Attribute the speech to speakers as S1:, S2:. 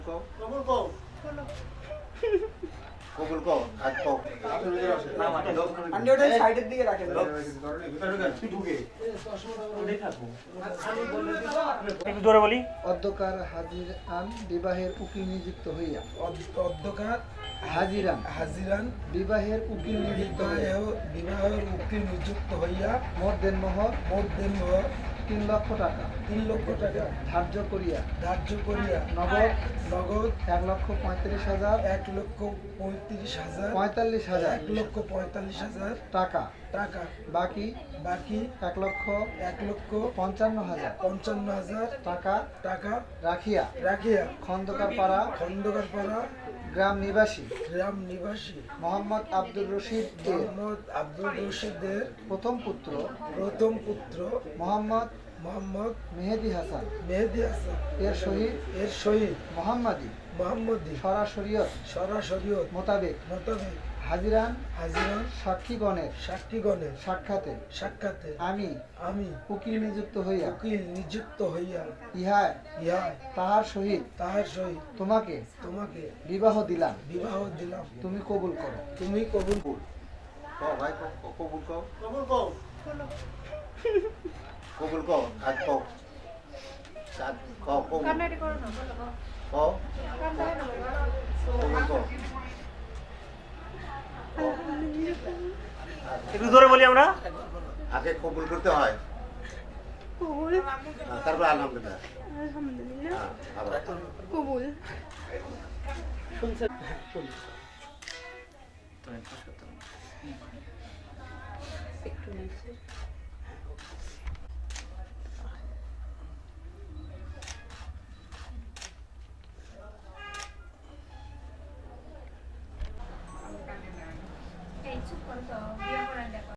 S1: কবুল কও কবুল কও আজ কও আপনি ওটা সাইডের দিকে রাখেন
S2: একটু জোরে বলি।
S3: অধ্যকার হাজিরান বিবাহের উকিল নিযুক্ত হইয়া
S4: অধ্যকার
S3: হাজিরান
S4: হাজিরান
S3: বিবাহের উকিল নিযুক্ত হইয়া
S4: বিবাহের উকিল নিযুক্ত হইয়া
S3: মোট দেনমোহর
S4: মোট দিন
S3: 3 লক্ষ টাকা
S4: 3 লক্ষ টাকা
S3: ধার্য করিয়া
S4: ধার্য করিয়া
S3: নগদ
S4: নগদ
S3: 1,35,000
S4: 1,35,000
S3: 45,000
S4: 1,45,000
S3: টাকা
S4: টাকা
S3: বাকি
S4: বাকি
S3: 1,55,000
S4: 1,55,000
S3: টাকা
S4: টাকা
S3: রাখিয়া
S4: রাখিয়া
S3: খন্দকারপাড়া
S4: খন্দকারপাড়া
S3: গ্রাম নিবাসী
S4: গ্রাম নিবাসী
S3: মোহাম্মদ আব্দুর রশিদ এর
S4: মোহাম্মদ আব্দুল রশিদের
S3: প্রথম পুত্র
S4: প্রথম পুত্র
S3: মোহাম্মদ
S4: মোহাম্মদ
S3: মেহেদি হাসান
S4: মেহেদি হাসান
S3: এর সহিত
S4: এর সহিত
S3: মোহাম্মদী
S4: মোহাম্মদী
S3: সরাসরিয়ত
S4: সরাসরিয়ত
S3: মোতাবেক
S4: মোতাবেক
S3: হাজিরান
S4: হাজিরান
S3: সাক্ষীগণের
S4: সাক্ষীগণের
S3: সাক্ষাতে
S4: সাক্ষাতে
S3: আমি
S4: আমি
S3: উকিল নিযুক্ত হইয়া
S4: উকিল নিযুক্ত হইয়া
S3: ইহায়
S4: ইহায়
S3: তাহার সহিত
S4: তাহার সহিত
S3: তোমাকে
S4: তোমাকে
S3: বিবাহ দিলাম,
S4: বিবাহ দিলাম,
S3: তুমি কবুল করো।
S4: তুমি কবুল
S1: কও ভাই কবুল কও
S4: কবুল কও
S1: কবুল কও আজ কও আজ কও কবুল
S5: কান্নাটি করো না
S1: কও
S5: কান্না হয় না
S1: কবুল কও
S2: একটু জোরে বলি আমরা।
S1: আগে কবুল করতে হয়
S5: কবুল
S1: তারপর আলহামদুলিল্লাহ
S5: আলহামদুলিল্লাহ
S1: আবার
S5: কবুল একটু নিচে